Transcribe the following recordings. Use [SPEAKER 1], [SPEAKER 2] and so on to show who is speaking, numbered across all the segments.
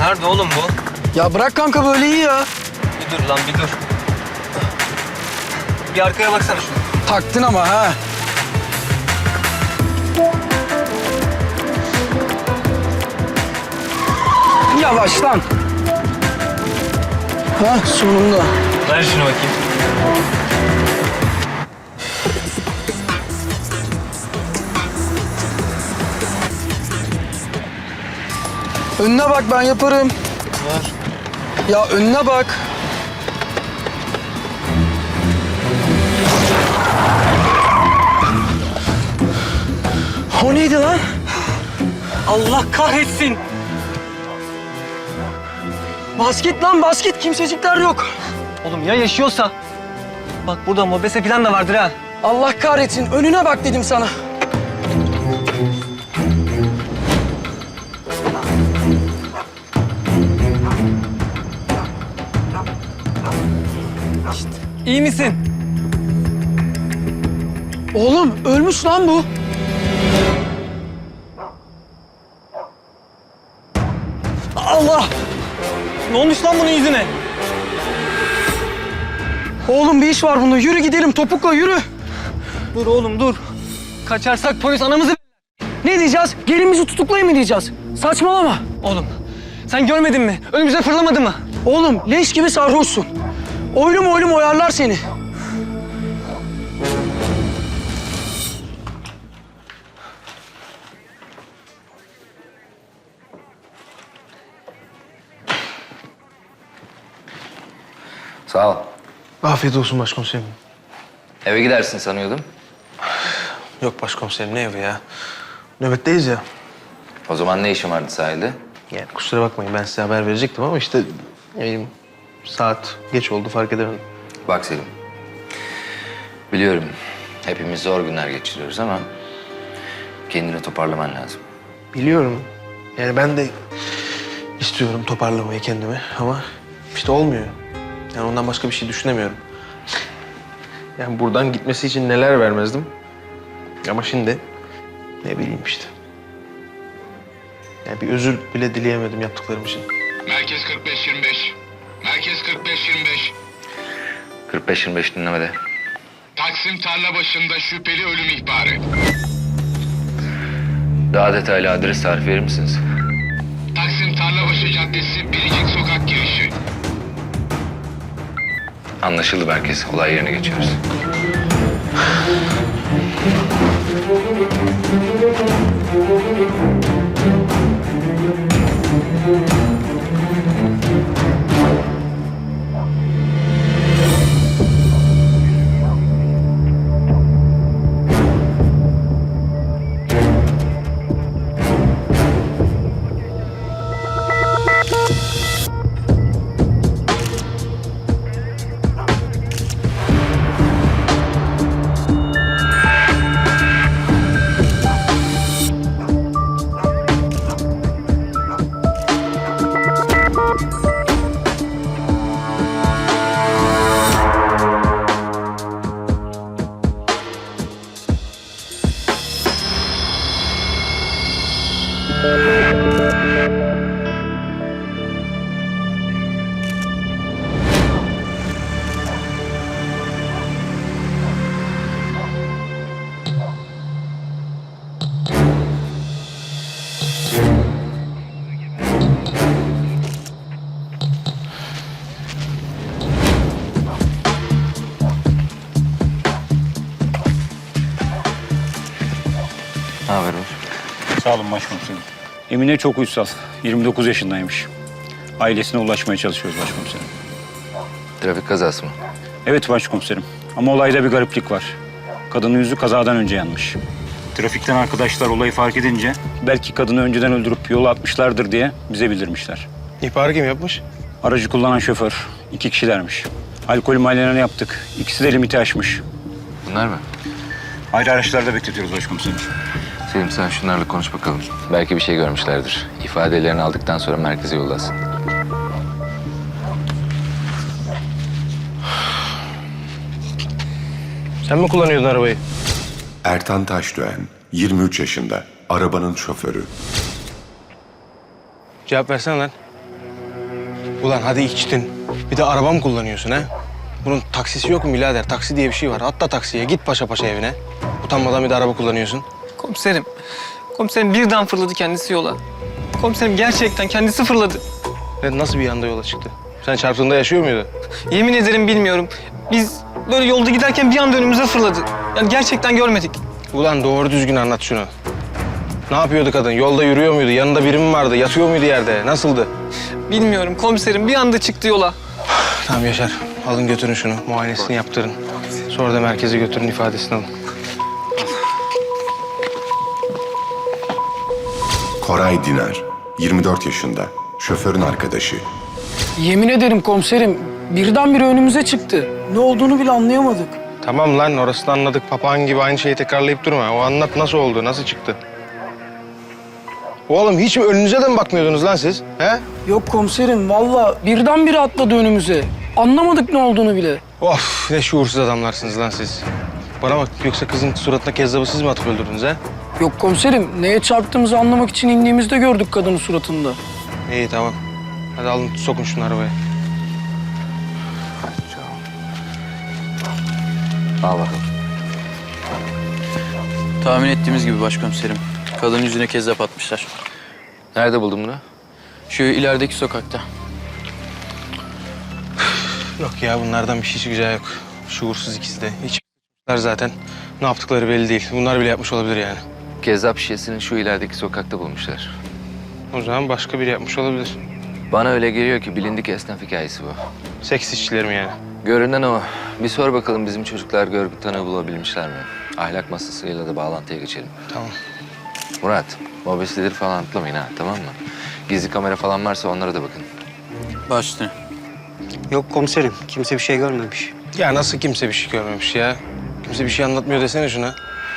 [SPEAKER 1] Nerede oğlum bu?
[SPEAKER 2] Ya bırak kanka, böyle iyi ya.
[SPEAKER 1] Bir dur lan bir dur. Bir arkaya baksana şuna.
[SPEAKER 2] Taktın ama ha. Yavaş lan. Ha, sonunda.
[SPEAKER 1] Ver şunu bakayım.
[SPEAKER 2] Önüne bak, ben yaparım.
[SPEAKER 1] Ver.
[SPEAKER 2] Ya önüne bak. O neydi lan?
[SPEAKER 1] Allah kahretsin.
[SPEAKER 2] Basket lan, basket. Kimsecikler yok.
[SPEAKER 1] Oğlum ya yaşıyorsa? Bak burada mobese falan da vardır ha.
[SPEAKER 2] Allah kahretsin. Önüne bak dedim sana.
[SPEAKER 1] İyi misin?
[SPEAKER 2] Oğlum ölmüş lan bu.
[SPEAKER 1] Allah! Ne olmuş lan bunun yüzüne?
[SPEAKER 2] Oğlum bir iş var bunda. Yürü gidelim, topukla yürü.
[SPEAKER 1] Dur oğlum dur. Kaçarsak polis anamızı...
[SPEAKER 2] Ne diyeceğiz? Gelin bizi tutuklayın mı diyeceğiz? Saçmalama.
[SPEAKER 1] Oğlum sen görmedin mi? Önümüze fırlamadı mı?
[SPEAKER 2] Oğlum leş gibi sarhoşsun. Oylum oylum oyarlar seni.
[SPEAKER 3] Sağ ol.
[SPEAKER 4] Afiyet olsun başkomiserim.
[SPEAKER 3] Eve gidersin sanıyordum.
[SPEAKER 4] Yok başkomiserim, ne evi ya? Nöbetteyiz ya.
[SPEAKER 3] O zaman ne işin vardı sahilde?
[SPEAKER 4] Yani kusura bakmayın, ben size haber verecektim ama işte... ne bileyim, saat geç oldu, fark edemedim.
[SPEAKER 3] Bak Selim. Biliyorum hepimiz zor günler geçiriyoruz ama... kendini toparlaman lazım.
[SPEAKER 4] Biliyorum. Yani ben de istiyorum toparlamayı kendimi ama işte olmuyor. Yani ondan başka bir şey düşünemiyorum. Yani buradan gitmesi için neler vermezdim. Ama şimdi ne bileyim işte. Yani bir özür bile dileyemedim yaptıklarım için.
[SPEAKER 5] Merkez 45-25. Merkez 45-25.
[SPEAKER 3] 45-25 dinlemede.
[SPEAKER 5] Taksim tarla başında şüpheli ölüm ihbarı.
[SPEAKER 3] Daha detaylı adres tarifi verir misiniz?
[SPEAKER 5] Taksim Tarlabaşı Caddesi Biricik Sokak girişi.
[SPEAKER 3] Anlaşıldı merkez. Olay yerine geçiyoruz. Ne haber var?
[SPEAKER 6] Sağ olun başkomiserim. Emine çok uysal. 29 yaşındaymış. Ailesine ulaşmaya çalışıyoruz başkomiserim.
[SPEAKER 3] Trafik kazası mı?
[SPEAKER 6] Evet başkomiserim. Ama olayda bir gariplik var. Kadının yüzü kazadan önce yanmış. Trafikten arkadaşlar olayı fark edince belki kadını önceden öldürüp yola atmışlardır diye bize bildirmişler.
[SPEAKER 4] İhbarı kim yapmış?
[SPEAKER 6] Aracı kullanan şoför 2 kişilermiş. Alkol muayenelerini yaptık. İkisi de limiti aşmış.
[SPEAKER 3] Bunlar mı?
[SPEAKER 6] Ayrı araçlarda bekletiyoruz başkomiserim.
[SPEAKER 3] Selim sen şunlarla konuş bakalım. Belki bir şey görmüşlerdir. İfadelerini aldıktan sonra merkeze yollasın.
[SPEAKER 4] Sen mi kullanıyordun arabayı?
[SPEAKER 7] Ertan Taşdöğen, 23 yaşında, arabanın şoförü.
[SPEAKER 4] Cevap versene lan. Ulan hadi içtin. Bir de araba mı kullanıyorsun ha? Bunun taksisi yok mu birader? Taksi diye bir şey var. Atla taksiye, git paşa paşa evine. Utanmadan bir de araba kullanıyorsun.
[SPEAKER 1] Komiserim. Komiserim birden fırladı kendisi yola. Komiserim gerçekten kendisi fırladı.
[SPEAKER 4] Nasıl bir anda yola çıktı? Sen çarptığında yaşıyor muydu?
[SPEAKER 1] Yemin ederim bilmiyorum. Biz böyle yolda giderken bir anda önümüze fırladı. Yani gerçekten görmedik.
[SPEAKER 4] Ulan doğru düzgün anlat şunu. Ne yapıyordu kadın? Yolda yürüyor muydu? Yanında biri mi vardı? Yatıyor muydu yerde? Nasıldı?
[SPEAKER 1] Bilmiyorum komiserim bir anda çıktı yola.
[SPEAKER 4] Tamam Yaşar. Alın götürün şunu. Muayenesini yaptırın. Sonra da merkeze götürün, ifadesini alın.
[SPEAKER 7] Koray Dinar, 24 yaşında, şoförün arkadaşı.
[SPEAKER 2] Yemin ederim komiserim, birdenbire önümüze çıktı. Ne olduğunu bile anlayamadık.
[SPEAKER 4] Tamam lan, orasını anladık. Papağan gibi aynı şeyi tekrarlayıp durma. O anlat, nasıl oldu, nasıl çıktı? Oğlum hiç mi önünüze de mi bakmıyordunuz lan siz? He?
[SPEAKER 2] Yok komiserim, vallahi birdenbire atladı önümüze. Anlamadık ne olduğunu bile.
[SPEAKER 4] Of, ne şuursuz adamlarsınız lan siz. Bana bak, yoksa kızın suratına kezzabı siz mi atıp öldürdünüz ha?
[SPEAKER 2] Yok komiserim, neye çarptığımızı anlamak için indiğimizde gördük kadının suratında.
[SPEAKER 4] İyi, tamam. Hadi alın, sokun şunu arabaya.
[SPEAKER 3] Al bakalım.
[SPEAKER 8] Tahmin ettiğimiz gibi başkomiserim. Kadının yüzüne kezzap atmışlar.
[SPEAKER 3] Nerede buldun bunu?
[SPEAKER 8] Şu ilerideki sokakta.
[SPEAKER 4] Yok ya, bunlardan bir şey çıkacağı yok. Şuursuz ikisi de. Hiç zaten. Ne yaptıkları belli değil. Bunlar bile yapmış olabilir yani.
[SPEAKER 3] Kezzap şişesini şu ilerideki sokakta bulmuşlar.
[SPEAKER 4] O zaman başka biri yapmış olabilir.
[SPEAKER 3] Bana öyle geliyor ki bilindik esnaf hikayesi bu.
[SPEAKER 4] Seks işçileri mi yani?
[SPEAKER 3] Görünen o. Bir sor bakalım bizim çocuklar görgü tanığı bulabilmişler mi? Ahlak masasıyla da bağlantıya geçelim.
[SPEAKER 4] Tamam.
[SPEAKER 3] Murat, mobesidir falan atlamayın ha, tamam mı? Gizli kamera falan varsa onlara da bakın.
[SPEAKER 8] Baş üstüne.
[SPEAKER 1] Yok komiserim kimse bir şey görmemiş.
[SPEAKER 4] Ya nasıl kimse bir şey görmemiş ya? Kimse bir şey anlatmıyor desene şuna.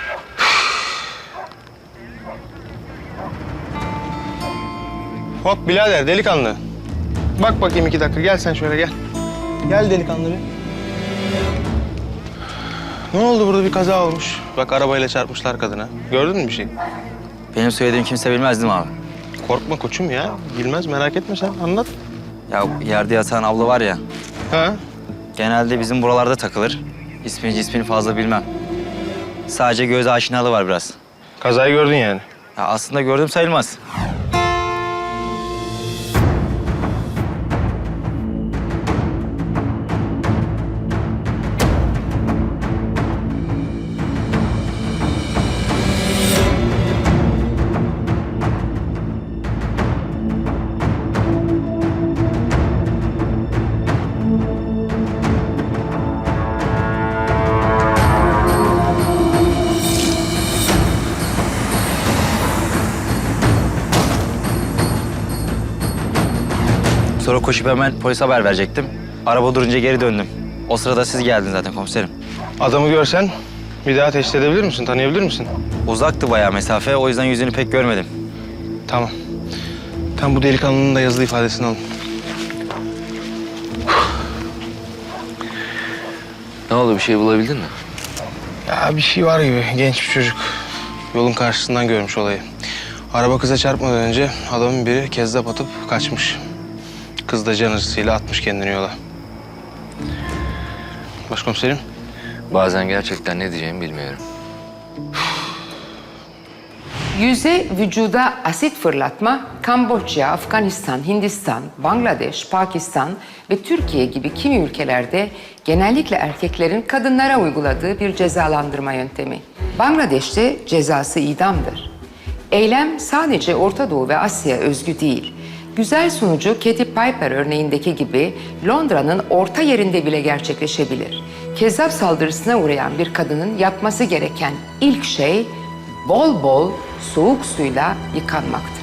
[SPEAKER 4] Hop birader, delikanlı. Bak bakayım 2 dakika, gel sen şöyle gel. Gel delikanlı bir. Ne oldu, burada bir kaza olmuş. Bak arabayla çarpmışlar kadına. Gördün mü bir şey?
[SPEAKER 9] Benim söylediğim kimse bilmez değil mi abi?
[SPEAKER 4] Korkma koçum ya. Bilmez, merak etme sen. Anlat.
[SPEAKER 9] Ya yerde yatan abla var ya,
[SPEAKER 4] Ha?
[SPEAKER 9] genelde bizim buralarda takılır. İsmini fazla bilmem. Sadece göz aşinalığı var biraz.
[SPEAKER 4] Kazayı gördün yani.
[SPEAKER 9] Ya aslında gördüm sayılmaz. Sonra koşup hemen polise haber verecektim. Araba durunca geri döndüm. O sırada siz geldiniz zaten komiserim.
[SPEAKER 4] Adamı görsen bir daha teşhis edebilir misin, tanıyabilir misin?
[SPEAKER 9] Uzaktı bayağı mesafe, o yüzden yüzünü pek görmedim.
[SPEAKER 4] Tamam. Tam bu delikanlının da yazılı ifadesini alın.
[SPEAKER 3] Ne oldu, bir şey bulabildin mi?
[SPEAKER 4] Ya bir şey var gibi, genç bir çocuk. Yolun karşısından görmüş olayı. Araba kıza çarpmadan önce adamın biri kezzap atıp kaçmış. Kız da can acısıyla atmış kendini yola. Başkomiserim.
[SPEAKER 3] Bazen gerçekten ne diyeceğimi bilmiyorum.
[SPEAKER 10] Yüze vücuda asit fırlatma, Kamboçya, Afganistan, Hindistan, Bangladeş, Pakistan ve Türkiye gibi kimi ülkelerde genellikle erkeklerin kadınlara uyguladığı bir cezalandırma yöntemi. Bangladeş'te cezası idamdır. Eylem sadece Orta Doğu ve Asya özgü değil. Güzel sunucu Katy Piper örneğindeki gibi Londra'nın orta yerinde bile gerçekleşebilir. Kezzap saldırısına uğrayan bir kadının yapması gereken ilk şey bol bol soğuk suyla yıkanmaktır.